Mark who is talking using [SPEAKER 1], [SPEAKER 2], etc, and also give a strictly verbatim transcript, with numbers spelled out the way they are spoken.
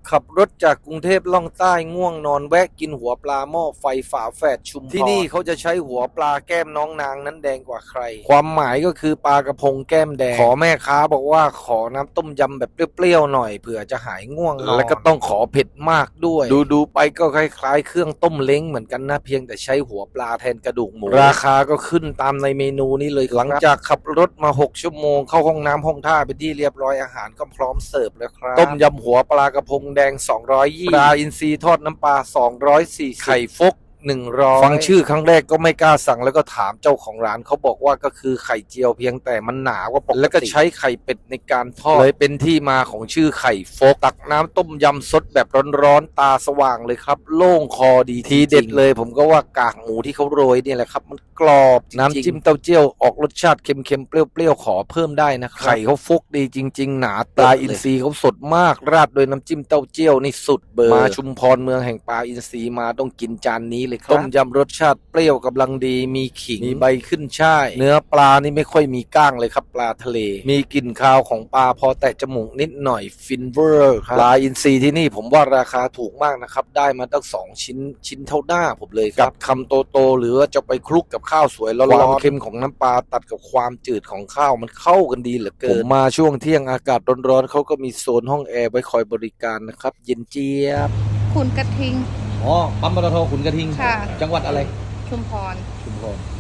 [SPEAKER 1] ขับรถจากกรุงเทพล่องใต้ง่วงนอนแวะกินหัวปลาหม้อไฟฝาแฝดชุมพรที่นี่เขาจะใช้หัวปลาแก้มน้องนางนั้นแดงกว่าใครความหมายก็คือปลากระพงแก้มแดงขอแม่ค้าบอกว่าขอน้ำต้มยำแบบเปรี้ยวๆหน่อยเผื่อจะหายง่วงนอนแล้วก็ต้องขอเผ็ดมากด้วยดูๆไปก็คล้ายๆเครื่องต้มเล้งเหมือนกันนะเพียงแต่ใช้หัวปลาแทนกระดูกหมูราคาก็ขึ้นตามในเมนูนี้เลยหลังจากขับรถมาหกชั่วโมงเข้าห้องน้ำห้องท่าเป็นที่เรียบร้อยอาหารก็พร้อมเสิร์ฟแล้วครับต้มยำหัวปลากระพงแดงสองร้อยยี่สิบปลาอินทรีทอดน้ำปลาสองร้อยสี่สิบไข่ฟกหนึ่งร้อยฟังชื่อครั้งแรกก็ไม่กล้าสั่งแล้วก็ถามเจ้าของร้านเขาบอกว่าก็คือไข่เจียวเพียงแต่มันหนากว่าปกติแล้วก็ใช้ไข่เป็ดในการทอดเลยเป็นที่มาของชื่อไข่ฟกตักน้ำต้มยำสดแบบร้อนๆตาสว่างเลยครับโล่งคอดีทีเด็ดเลยผมก็ว่ากากหมูที่เขาโรยนี่แหละครับมันกรอบน้ำจิ้มเต้าเจี้ยวออกรสชาติเค็มๆเปรี้ยวๆขอเพิ่มได้นะครับไข่เขาฟกดีจริงๆหนาปลาอินทรีเขาสดมากราดโดยน้ำจิ้มเต้าเจี้ยวนี่สุดเบอร์มาชุมพรเมืองแห่งปลาอินทรีมาต้องกินจานนี้เลยครับต้มยำรสชาติเปรี้ยวกำลังดีมีขิงมีใบขึ้นช่ายเนื้อปลานี่ไม่ค่อยมีก้างเลยครับปลาทะเลมีกลิ่นคาวของปลาพอแตะจมูกนิดหน่อยฟินเวอร์ครับปลาอินทรีที่นี่ผมว่าราคาถูกมากนะครับได้มาตั้งสองชิ้นชิ้นเท่าหน้าผมเลยกับคำโตๆหรือว่าจะไปคลุกกับข้าวสวยแล้วความเค็มของน้ำปลาตัดกับความจืดของข้าวมันเข้ากันดีเหลือเกินผมมาช่วงเที่ยงอากาศร้อนๆเขาก็มีโซนห้องแอร์ไว้คอยบริการนะครับเย็นเจี๊ยบ
[SPEAKER 2] ขุนกระทิง
[SPEAKER 3] อ๋อปั๊มปตทขุนกระทิง
[SPEAKER 2] ค่ะ
[SPEAKER 3] จังหวัดอะไร
[SPEAKER 2] ชุมพร
[SPEAKER 3] ชุมพร